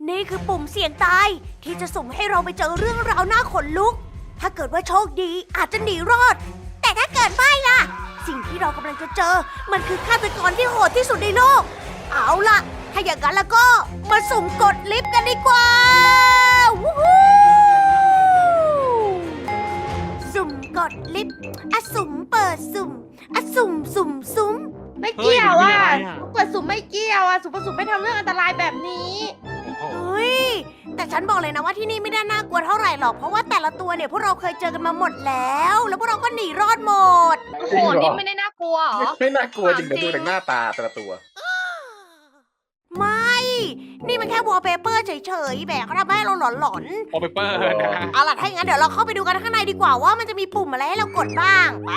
นี่คือปุ่มเสี่ยงตายที่จะสุ่มให้เราไปเจอเรื่องราวน่าขนลุก ถ้าเกิดว่าโชคดีอาจจะหนีรอด แต่ถ้าเกิดไม่ล่ะ สิ่งที่เรากำลังจะเจอ มันคือฆาตกรที่โหดที่สุดในโลก เอาล่ะ ถ้าอย่างนั้นแล้วก็มาสุ่มกดลิฟต์กันดีกว่าวู้ฮู้สุ่มกดลิฟต์อะสุ่มเปิดสุ่มอะสุ่มสุ่มไม่เกี่ยวอ่ะเฮ้ยมันมีอะไรอ่ะเปิดสุ่มไม่เกี่ยวอ่ะสุ่มไม่ทำเรื่องอันตรายแบบนี้โอ้โหเฮ้ย แต่ฉันบอกเลยนะว่าที่นี่ไม่ได้น่ากลัวเท่าไหร่หรอก เพราะว่าแต่ละตัวเนี่ยพวกเราเคยเจอกันมาหมดแล้ว แล้วพวกเราก็หนีรอดหมดโอ้โห นี่ไม่ได้น่ากลัวเหรอไม่น่ากลัวจริงเดี๋ยวดูจากหน้าตาแต่ละตัวไม่ นี่มันแค่วอลเปเปอร์เฉยๆแบบเขาทำให้เราหลอนโอเปเปอร์นะๆ เอาล่ะ ถ้าอย่างนั้นเดี๋ยวเราเข้าไปดูกันข้างในดีกว่าว่ามันจะมีปุ่มอะไรให้เรากดบ้าง ไป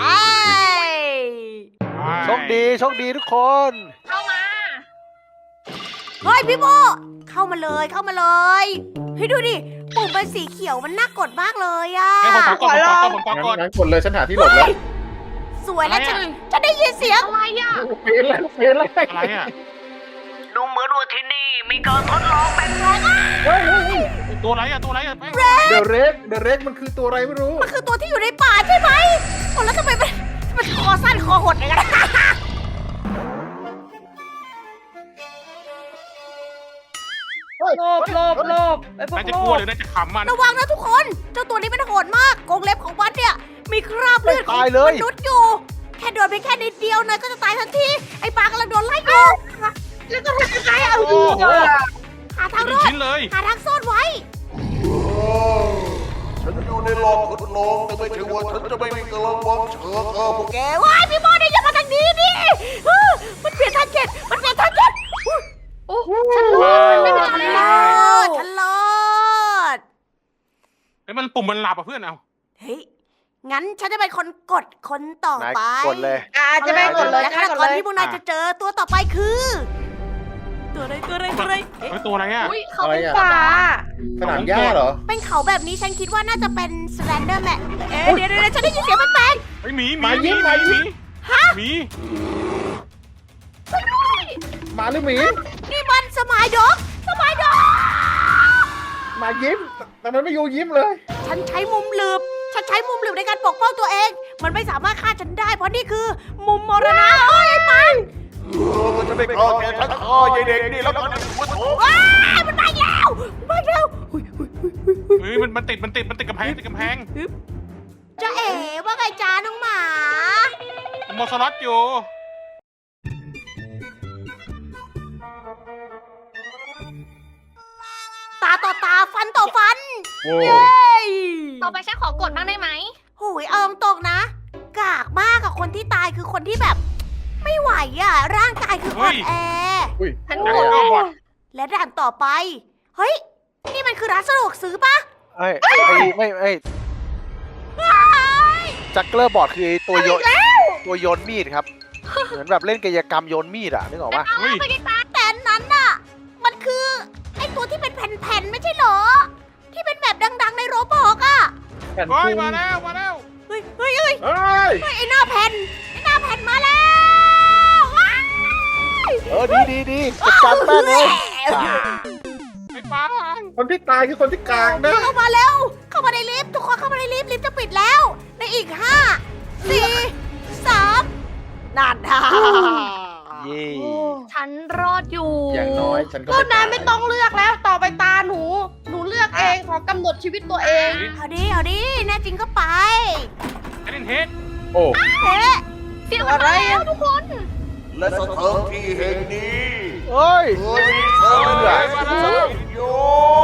โชคดีโชคดีทุกคนเข้ามาเฮ้ยพี่โบเข้ามาเลยเข้ามาเลยเฮ้ยดูดิ ปุ่มเป็นสีเขียวมันน่ากดมากเลยอะให้ผมขอกดผมขอกดงั้นกดเลยฉันหาที่หลบแล้วสวยแล้วอะไรอะฉันได้ยินเสียงอะไรอ่ะเฟนเลยเฟนเลยอะไรอ่ะดูเหมือนว่าที่นี่มีการทดลองแปลกตัวอะไรอ่ะตัวอะไรอ่ะแป้งเดอะเรกมันคือตัวอะไรไม่รู้ๆมันคือตัวที่อยู่ในป่าใช่ไหมโอ้แล้วทำไมมันคอสั้นคอหดอย่างนั้นโลบไอ้พวกน่าจะโลกลัวบหรือน่าจะขำมันระวังนะทุกคน เจ้าตัวนี้มันโหดมากกรงเล็บของมันเนี่ย มีคราบเลือดของตายเลยมนุษย์อยู่ แค่โดนไปแค่นิดเดียวนายก็จะตายทันที ไอ้ปลากำลังโดนไล่อยู่แล้วก็ทำยังไงเอาโอ้โหหาทางหรนึ่งอดชิ้นเลยหาทางซ่อนไว้ฉันอยู่ในหลอดทดลองแต่ไม่ใช่ว่าฉันจะไม่มีกำลังวังเชิงพวกแกว้ายพี่โมเนี่ยอย่ามาทางนี้ดิมันเปลี่ยนทาร์เก็ตมันเปลี่ยนทาร์เก็ตโอ้ฉันรอดไม่เป็นไรฉันรแล้อวดฉันรอดไอ้มันปุ่มมันหลับอ่ะเพื่อนเอาเฮ้ย งั้นฉันจะเป็นคนกดคนต่อนายไปกดเลยจะไม่กดเลยและฆาตกกดรเลยที่พวกนายจะเจอตัวต่อไปคือ ตัวอะไรเอ๊ะเฮ้ยตัวอะไรอ่ะอุ้ยเขาเป็นป่าสนามหญ้าเหรอเป็นเขาแบบนี้ฉันคิดว่าน่าจะเป็นสแลนเดอร์แมนเดี๋ยวฉันได้ยินเสียงแปลกเฮ้ยหมีมายิ้มหมีหมาหรือหมีๆนี่มันสมายด็อกหมายิ้ม แต่มันไม่อยู่ยิ้มเลยฉันใช้มุมหลืบในการปกป้องตัวเอง มันไม่สามารถฆ่าฉันได้ เพราะนี่คือมุมมรณะเฮ้ยไอ้ปังมันจะไม่กล้าแกทั้งคอยายเด็กนี่แล้วกันหัวโถว้ายมันมาอีกแล้วอุ๊ยเฮ้ยมันติดกำแพงจะเอ๋ว่าไงจ้าน้องหมาโมสล็อตอยู่ตาต่อตาฟันต่อฟันโว้เย้ยต่อไปฉันขอกดบ้างได้ไหมโหยเอาตรงๆนะ กากมากอะคนที่ตายคือคนที่แบบ ไม่ไหวอะร่างกายคืออ่อนแออุ้ยฉันแล้กวดก็บอดและด่านต่อไป เฮ้ย นี่มันคือร้านสะดวกซื้อปะจักเกอร์บอร์ดคือไอ้ตัวโยนมีดครับ เหมือนแบบเล่นกายกรรมโยนมีดอะนึกออกปะเฮ้ยแต่อันนั้นน่ะ มันคือไอตัวที่เป็นแผ่นๆไม่ใช่เหรอ ที่เป็นแบบดังๆในโรบอกอะแผ่นเฮ้คุยงมาแล้วเฮ้ยเฮ้ยไอหน้าแผ่นมาแล้วว้ายดีจัดการแป้งเลยไอ้ปังคนที่ตายคือคนที่กลางนะเข้ามาเร็ว เข้ามาในลิฟต์ทุกคนเข้ามาในลิฟต์จะปิดแล้ว ในอีก 5 4 3นั่นฮ่าเย่ฉันรอดอยู่อย่างน้อยฉันก็พวกนายไม่ต้องเลือกแล้ว ต่อไปตาหนู หนูเลือกเอง ขอกำหนดชีวิตตัวเองเอาดิแน่จริงก็ไปไอ้เล่นเฮดโอ้เอ๊ะเสียงอะไรแล้วทุกคนและสถานที่แห่งนี้เฮ้ยเคยมีสารพิษโย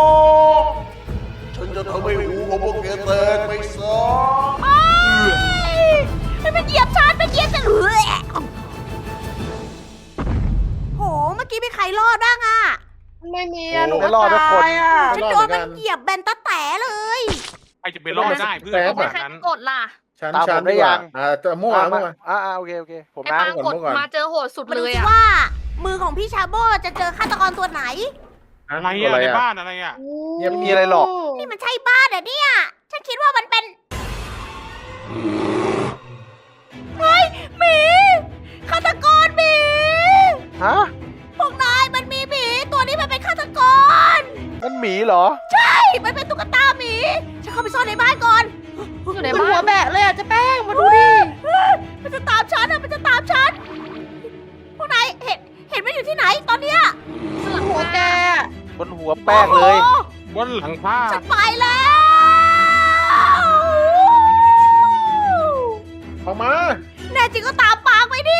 ฉันจะทำให้หูของพวกแกแตกไปซะให้มันเหยียบฉันเฮ้ยโห เมื่อกี้มีใครรอดบ้างอะไม่มีอะหนูไม่รอดทุกคนตายอะฉันโดนมันเหยียบแบนตะแต่เลยใครจะไปรอดได้เพื่อนต่อไปใครกดล่ะฉันตามผมได้ดีกว่ายังจะมั่วโอเคผมไอ้นะปางกดมาเจอโหดสุดมาเลดูยสิอะว่า มือของพี่ชาโบจะเจอฆาตกรตัวไหนอะไรอ่ะในบ้านอะไรอ่ะยังไม่มีอะไรหรอกนี่มันใช่บ้านเหรอเนี่ย ฉันคิดว่ามันเป็น เฮ้ยหมีฆาตกรหมีฮะพวกนายมันมีหมีตัวนี้มันเป็นฆาตกรเอมีเหรอมันเป็นตุ๊กตาหมีฉันเข้าไปซ่อนในบ้านก่อนอยู่ในหัวแบะเลยอ่ะเจะแป้งมาดูดิมันจะตามฉันมันจะตามฉันพวกนายเห็นมันอยู่ที่ไหนตอนเนี้ยหลังหัวแกบนหัวแป้งเลยโอ้โหบนหลังผ้าฉันไปแล้วออกมาแน่จริงก็ตามปางไปดิ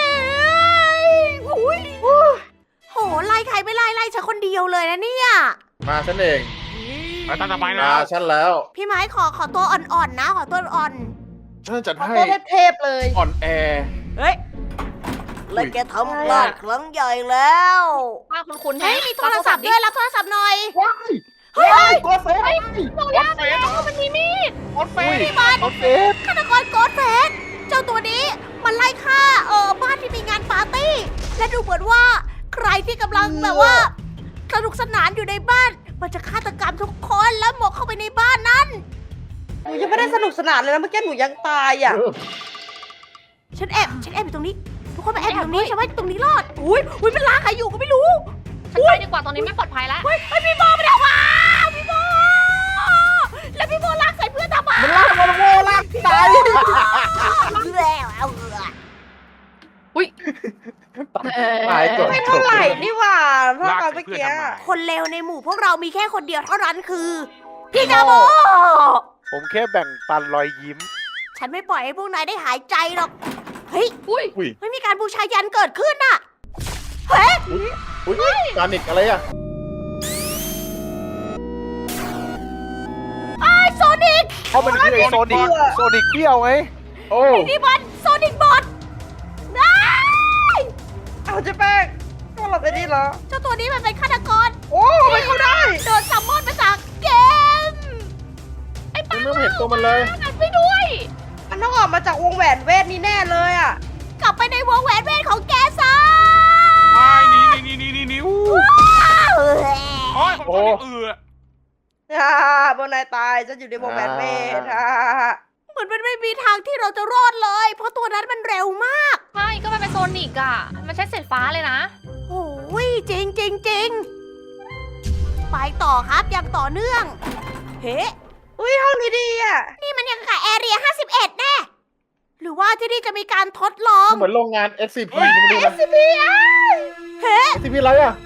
หุยโหไล่ใครไม่ไล่ฉันคนเดียวเลยนะเนี่ยมาฉันเองไปตามทำไมนะมาฉันแล้วพี่ไม้ขอตัวอ่อนๆนะขอตัวอ่อนฉันจัดขอให้ตัวเทพๆเลยอ่อนแอเฮ้ยแล้วแกทำพลาดครั้งใหญ่แล้วป้าคุณเฮ้ยมีโทรศัพท์ด้วยรับโทรศัพท์หน่อยว้ายเฮ้ยตัวเฟสรถเฟสมันมีมีดรถเฟสนี่มันโอเคฆาตกรโกดเฟสเจ้าตัวนี้มันไล่ฆ่าบ้านที่มีงานปาร์ตี้ และดูเหมือนว่าใครที่กำลังแบบว่าสนุกสนานอยู่ในบ้าน มันจะฆาตกรรมทุกคนแล้วหมกเข้าไปในบ้านนั้นหนูยังไม่ได้สนุกสนานเลยนะเมื่อกี้หนูยังตายอ่ะฉันแอบอยู่ตรงนี้ ทุกคนมาแอบอยู่ตรงนี้ฉันว่าตรงนี้รอดอุ้ยเป็นลาใครอยู่ก็ไม่รู้ฉันไปดีกว่าตอนนี้ไม่ปลอดภัยแล้วเฮ้ยพี่โบไปแล้วว้าพี่โบแล้วพี่โบลากใส่เพื่อนทำไมมันลากมันโง่ลากตายแล้วเอาเหรอตายก่อนไม่เท่าไหร่นี่หว่าเท่าลากกับใส่เมื่อเพื่อนกี้ทำไมคนเลวในหมู่พวกเรามีแค่คนเดียวเท่านั้นคือ พี่จาโบผมแค่แบ่งปันรอยยิ้มฉันไม่ปล่อยให้พวกนายได้หายใจหรอก เฮ้ยอุ้ยไม่มีการบูชายันเกิดขึ้นน่ะ เฮ้ยอุ้ยการนิกอะไรอ่ะไอ้โซนิกเพราะมันคือไอโซนิกเปรี้ยวไงโอ้นี่มันโซนิกบอทนายเอาเจะแป้งก็หลับไปนี่เหรอเจ้าตัวนี้มันเป็นฆาตกรโอ้ไม่เข้าได้โดนซัมมอนมาจากเกมฉันไม่เห็นตัวมันเลยนั่นไปด้วยมันต้องออกมาจากวงแหวนเวทนี่แน่เลยอ่ะกลับไปในวงแหวนเวทของแกซะไอ้นี่อู้โอ้ยผมชอบเอือบนนายตายฉันอยู่ในวงแหวนเวทอ่าเหมือนมันไม่มีทางที่เราจะรอดเลย เพราะตัวนั้นมันเร็วมากใช่ ก็มันเป็นโซนิกอ่ะ มันใช้เศษฟ้าเลยนะโอ้ยจริง ไปต่อครับอย่างต่อเนื่อง เฮ้อุ้ยห้องนี้ดีอ่ะนี่มันยังกับแอเรีย51 แน่ หรือว่าที่นี่จะมีการทดลองเหมือนโรงงาน SCP ไม่รู้นะ SCP เฮ้ SCP อะไรอ่ะ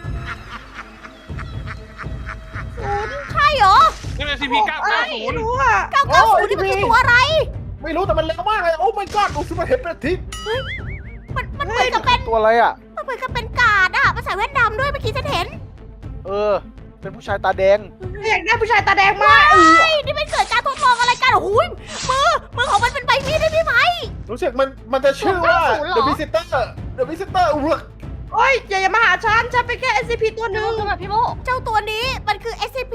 ใช่เหรอนี่เป็น CP ไม่รู้ 990 อ่ะ 990นี่มันคือตัวอะไรไม่รู้แต่มันเร็วมากเลย โอ้ my god ดูสิมันเห็นเป็นอาทิตย์มันเหมือนกับเป็นตัวอะไรอ่ะมันเหมือนกับเป็นกาดอะมันใส่แว่นดำด้วยเมื่อกี้ฉันเห็นเป็นผู้ชายตาแดงอยากได้ผู้ชายตาแดงมากเฮ้ยนี่มันเกิดการทดลองอะไรกันโอ้โหมือของมันเป็นใบมีดได้ไหมรู้สึกมันจะชื่อว่า 90เหรอ The Visitor The Visitor อุ้ยโอ้ยอย่ามาหาฉันเป็นแค่ SCP ตัวหนึ่งคือแบบพี่โมเจ้าตัวนี้มันคือ SCP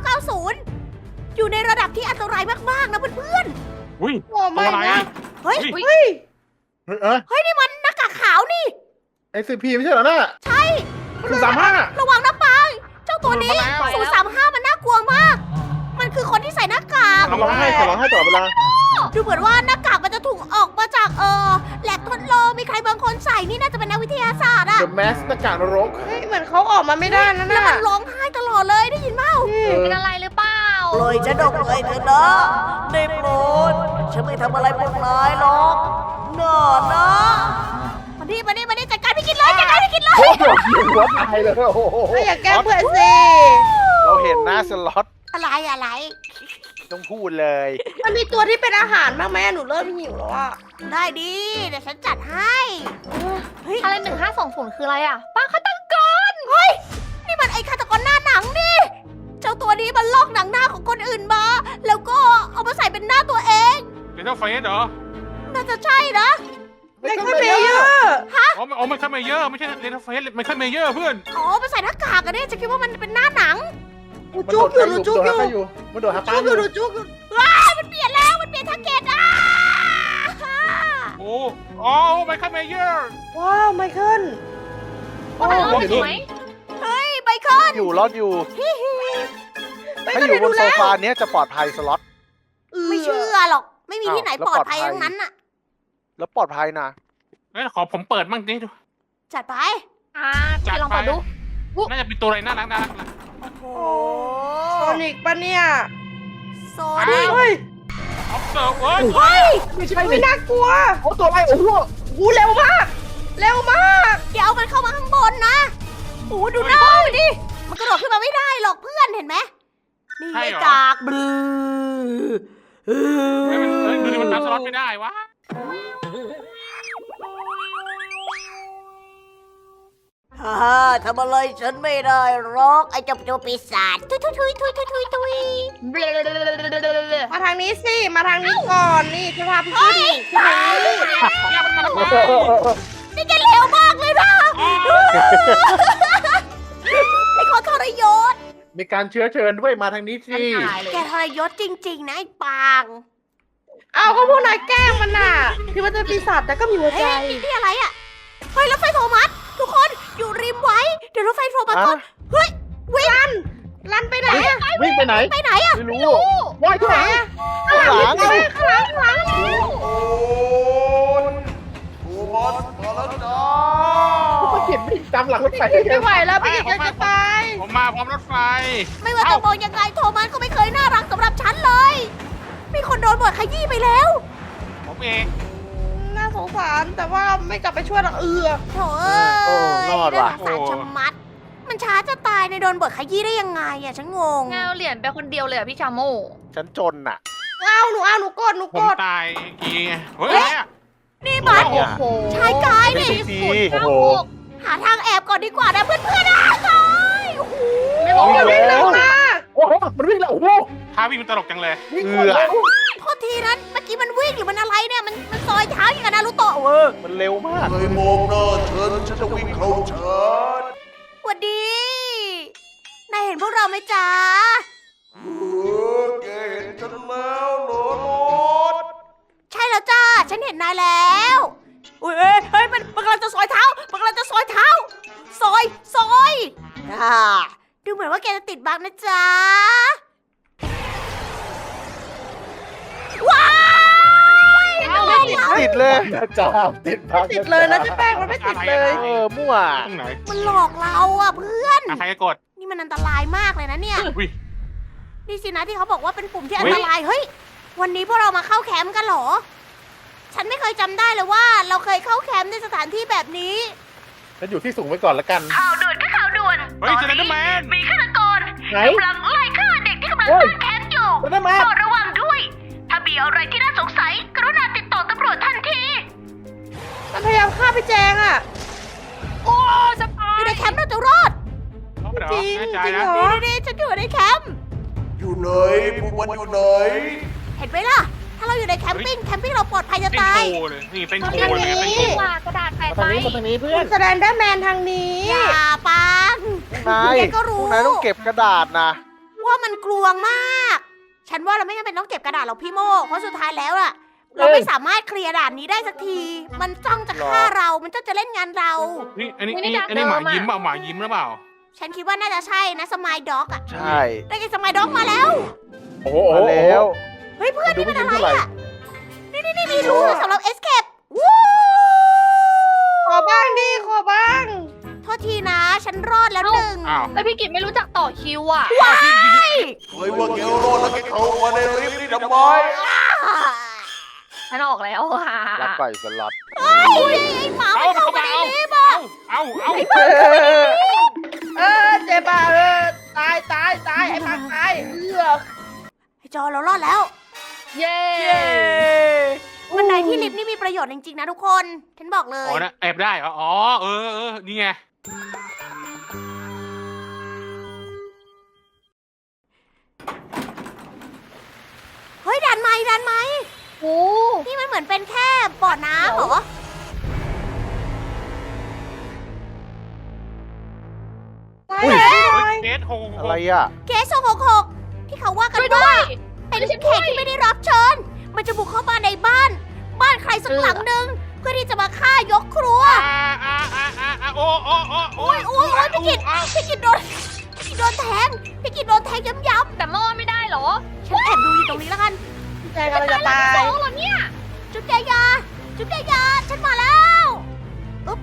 990 อยู่ในระดับที่อันตรายมากๆนะเพื่อนอุ้ยโอ้ตัไม่วอะไรนะๆ เฮ้ยเฮ้ยเฮ้ยนี่มันหน้ากากขาวนี่ SCP ไม่ใช่เหรอน่ะใช่คือ35 ระวังนะปัง เจ้าตัวนี้มันมาแล้ว 035 มันน่ากลัวมาก มันคือคนที่ใส่หน้ากากร้องไห้ตลอดเวลาดูเหมือนว่าหน้ากากมันจะถูกออกมาจากแลบทดลองมีใครบางคนใส่นี่น่าจะเป็นนักวิทยาศาสตร์อะ The Mask หน้ากากนรกเฮ้ยเหมือนเขาออกมาไม่ได้นะแล้วน่ะมันร้องไห้ตลอดเลยได้ยินเปล่าเป็นอะไรหรือเปล่าปล่อยฉันออกไปเถอะนะได้โปรดฉันไม่ทำอะไรพวกนายหรอกน่านะมาดิจัดการพี่กินเลยจัดการพี่กินเลยโอ้โหหัวตายเลยโอ้โหไม่อยากแกล้งเพื่อนสิเราเห็นหน้าสล็อตอะไรต้องพูดเลยมันมีตัวที่เป็นอาหารบ้างไหมหนูเริ่มหิวแล้วอ่ะได้ดีเดี๋ยวฉันจัดให้ เฮ้ยอะไร1520คืออะไรอ่ะ ป้าฆาตกรเฮ้ย นี่มันไอ้ฆาตกรหน้าหนังนี่ เจ้าตัวนี้มันลอกหนังหน้าของคนอื่นมา แล้วก็เอามาใส่เป็นหน้าตัวเองเป็นเจ้าเฟสเหรอน่าจะใช่นะไม่ค่อยเบลเยอะอ๋อไม่ใช่เมเยอร์ไม่ใช่เลนเฟสไม่ใช่เมเยอร์เพื่อนอ๋อมาใส่หน้ากากอะเนี่ยจะคิดว่ามันเป็นหน้าหนังหนูจุกอยู่หนูจุกอยู่มันโดดหาปลาจุกออยู่ ยู่หนูจุกอยู่ว้าวมันเปลี่ยนแล้วมันเปลี่ยนทาร์เก็ตอ่ะโไม่ใช่เมเยอร์ว้าวไมเคิลว่าแต่เราอยู่ไหมเฮ้ยไมเคิลอยู่รอดอยู่ไม่ถ้าก็อยู่ได้บดูนโซแล้วฟาเนี้ยจะปลอดภัยสล็อตไม่เชื่อหรอก ไม่มีที่ไหนอ้าวแล้วปลอดภัยปลอดภัยทั้งนั้นน่ะแล้วปลอดภัยนะงั้นขอผมเปิดมั่งดิจัดไปพี่ลองเปิดดูน่าจะเป็นตัวอะไรน่ารักโอ้โหนิกปะเนี่ยโซนิกเฮ้ยออฟเซิร์ฟเฮ้ยเฮ้ยไม่ใช่ไม่นี่น่ากลัวโอ้ตัวอะไรโอ้โหกูเร็วมาก เร็วมากเดี๋ยวมันเข้ามาข้างบนนะโอ้ดูหน้ามันดิ มันกระโดดขึ้นมาไม่ได้หรอกเพื่อนเห็นไหมนี่ไงกากบลือเฮ้ยดูดิมันนับสล็อตไม่ได้วะฮ่าทำอะไรฉันไม่ได้หรอกไอ้เจ้าตัวปีศาจทุยทุยทุยทุยทุยทุยทุยมาทางนี้สิ มาทางนี้ก่อน นี่จะพาพี่ขึ้นทางนี้เนี่ยมันมาทำไมนี่แกเร็วมากเลยนะไอ้ขอทรยศมีการเชื้อเชิญด้วยมาทางนี้สิแกทรยศจริงๆนะไอ้ปางเอาก็พวกนายแกล้งมันน่ะที่มันจะปีศาจแต่ก็มีหัวใจเฮ้ยนี่อะไรอ่ะเฮ้ยรถไฟโทมัสทุกคนอยู่ริมไว้ เดี๋ยวรถไฟโทมัสก่อนเฮ้ยวิ่งลันไปไหนอะวิ่งไปไหนไปไหนอ่ะไม่รู้ว่ายที่ไหนข้างหลังข้างหลังข้างหลังข้างหลังโอ้ยโทมัสมาแล้วจ้าก็เขียนวิ่งตามหลังรถไฟไม่ไหวแล้วพี่กิจจะตายผมมาพร้อมรถไฟไม่ว่าจะมองยังไงโทมัสก็ไม่เคยน่ารักสำหรับฉันเลย มีคนโดนบทขยี้ไปแล้วผมเองน่าสงสารแต่ว่าไม่กลับไปช่วยหรอกโถเอ้ยรอดว่ะน่าสงสารชะมัด มันช้าจะตายในโดนบทขยี้ได้ยังไงอะฉันงงแงวเหรียญไปคนเดียวเลยอะพี่ชาโมฉันจนน่ะเอาหนูกดผมตายกี่ไงเฮ้ยอะไรอะนี่มันโอ้โหชายกายเป็นนี่ซีโอ้โหหาทางแอบก่อนดีกว่านะเพื่อนๆนะโอ้โหไม่บอกว่าวิ่งเร็วมากโอ้โหมันวิ่งแล้วโอ้โหท่าวิ่งมันตลกจังเลยวิ่งคนเร็วโทษทีนะเมื่อกี้มันวิ่งหรือมันอะไรเนี่ย มันซอยเท้าอย่างกับนารูโตะเวอร์มันเร็วมากเคยมองหน้าฉันจะวิ่งเข้าชาร์จสวัสดี นายเห็นพวกเราไหมจ๊ะแกเห็นฉันแล้วเหรอรถใช่แล้วจ้า ฉันเห็นนายแล้วเฮ้ย มันกำลังจะซอยเท้า มันกำลังจะซอยเท้า ซอยดูเหมือนว่าแกจะติดบั๊กนะจ๊ะ ว้ายเป็นไงล่ะติดเลยนะจ้าติดพักติดเลยนะเจ๊แป้งมันไม่ติดเลยมั่วตรงไหนมันหลอกเราอะเพื่อนใครจะกดนี่มันอันตรายมากเลยนะเนี่ยอุ้ยนี่สินะที่เขาบอกว่าเป็นปุ่มที่อันตราย เฮ้ย วันนี้พวกเรามาเข้าแคมป์กันเหรอ ฉันไม่เคยจำได้เลยว่าเราเคยเข้าแคมป์ในสถานที่แบบนี้ฉันอยู่ที่สูงไว้ก่อนละกันข่าวด่วนก็ข่าวด่วนเฮ้ยเจอแล้วแมนมีฆาตกรไหนกำลังไล่ฆ่าเด็กที่กำลังเฮ้ยตั้งแคมป์อยู่มันได้มาโปรดระวังด้วย ถ้ามีอะไรที่น่าสงสัย กรุณาติดต่อตำรวจทันทีมันพยายามฆ่าพี่แจงอะโอ้สปาอย ยู่ในแคมป์เราจะรอดจริงแน่ใจจริงนะเหรอนี่ฉันอยู่ในแคมป์อยู่ไหนพวกมันอยู่ไหนเห็นไหมล่ะ ถ้าเราอยู่ในแคมปิ้งเราปลอดภัยจะเต้นตายโชว์เลยนี่เต้นทำโชอย่างว์เลยนี้เต้นโชว์ว่ากระดาษแปะมาไปทางนี้เพื่อนแสดงได้แมนทางนี้อย่าปังนายแกก็รู้พวกนายต้องเก็บกระดาษนะว่ามันกลวงมาก ฉันว่าเราไม่จำเป็นต้องเก็บกระดาษหรอกพี่โมเพราะสุดท้ายแล้วอะเราไม่สามารถเคลียร์ด่านนี้ได้สักที มันจ้องจะฆ่าเรา มันจ้องจะเล่นงานเรานี่อันนี้หมายิ้มเปล่าหมายิ้มหรือเปล่าฉันคิดว่าน่าจะใช่นะสมายด็อกอะใช่ได้กินสมายด็อกมาแล้วโอ้โหมาแล้วเฮ้ยเพื่อนดูนี่ไม่มันยิ้อะมไรเท่าไหร่อะนี่มีรูสำหรับเอสเคปวู้ขอบ้างดิขอบ้างโทษทีนะ ฉันรอดแล้วหนึ่งอ้าวแล้วพี่กิจไม่รู้จักต่อคิวอ่ะเฮ้ยว่าแกรอดแล้วแกเข้ามาในลิฟต์นี่ทำไมฉันออกแล้วอ่ะรับไปสล็อตเฮ้ยไอ้หมาเอามันเข้าเข้ามามาในเอาลิฟต์อะเอาเจ็บอ่ะตายไอ้ปังตายเลือกไอ้จอเรารอดแล้วเย้บันไดที่ลิฟต์นี่มีประโยชน์จริงๆนะทุกคน ฉันบอกเลอ๋ยอนะแอบได้เหรออ๋อเออนี่ไงเฮ้ยดันไหมโอ้นี่มันเหมือนเป็นแค่บ่อน้ำเหรอเดทโฮอะไรอ่ะเกส666ที่เขาว่ากันช่วยด้วว่าย เป็นแขกที่ไม่ได้รับเชิญ มันจะบุกเข้ามาในบ้าน ใครสักหลังหนึ่งเพื่อที่จะมาฆ่ายกครัวโอ้ยพี่กิดโดนแทงย้ำแต่หม้อไม่ได้เหรอๆฉันแอบดูอยู่ตรงนี้แล้วกันพี่แจงกำลังจะตายโอ้เหรอเนี่ยจุดแกยาฉันมาแล้วอุ๊บ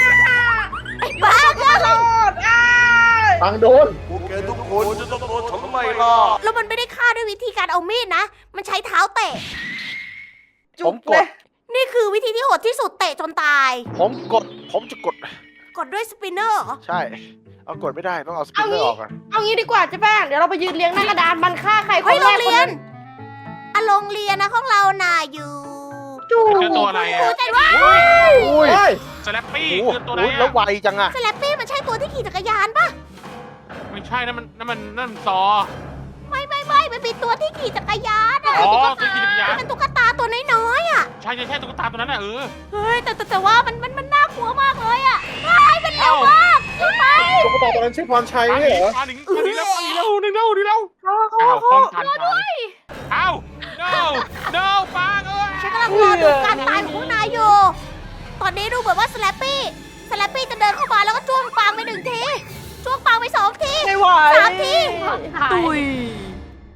ไอ้บ้าขอโทษฟังโดนพวกแกทุกคนจะต้องโดนทำไม่ล่ะแล้วมันไม่ได้ฆ่าด้วยวิธีการเอามีดนะ มันใช้เท้าเตะผมกเลดยนี่คือวิธีที่โหดที่สุดเตะจนตายผมจะกดกดด้วยสปินเนอร์เหรอใช่ เอากดไม่ได้ต้องเอาสปินเนอร์ออกก่อนเอางี้ดีกว่าเจ๊แป้งเดี๋ยวเราไปยืนเรียงหน้ากระดานมันฆ่าใครคเฮ้ยนโรแรง กคนเรียนนั้นอะโรงเรียนนะของเราน่ะอยู่จู่มันคือตัวอะไรครูอ่ะใจว่าอุ้ยเฮ้ยสแลปปี้โอ้โหคือตัวอะไรแล้วอ่ะไวจังอะสแลปปี้มันใช่ตัวที่ขี่จักรยานปะไม่ใช่นั่นมันซอไม่มันเป็นตัวที่ขี่จักรยานอะอ๋อตัวขี่จักรยานมันเป็นตุ๊กตาตัวน้อยๆอะใช่ตุ๊กตาตัวนั้นน่ะเฮ้ยแต่ว่ามันน่ากลัวมากเลยอะเฮ้ยมันเร็วมากขึ้นไปตุ๊กตาตัวนั้นชื่อพรชัยไม่เหรอมาหนีแล้วนึงเร็วเขาอ้าวเขาป้องกันด้วยอ้าว no ปางเอ้ยฉันกำลังรอดูการตายของพวกนายอยู่ ตอนนี้ดูเหมือนว่าสแลปปี้จะเดินเข้ามาแล้วก็จ้วงปางไป1 ทีจ้วงปางไป2 ทีไม่ไหว 3 ที ตุย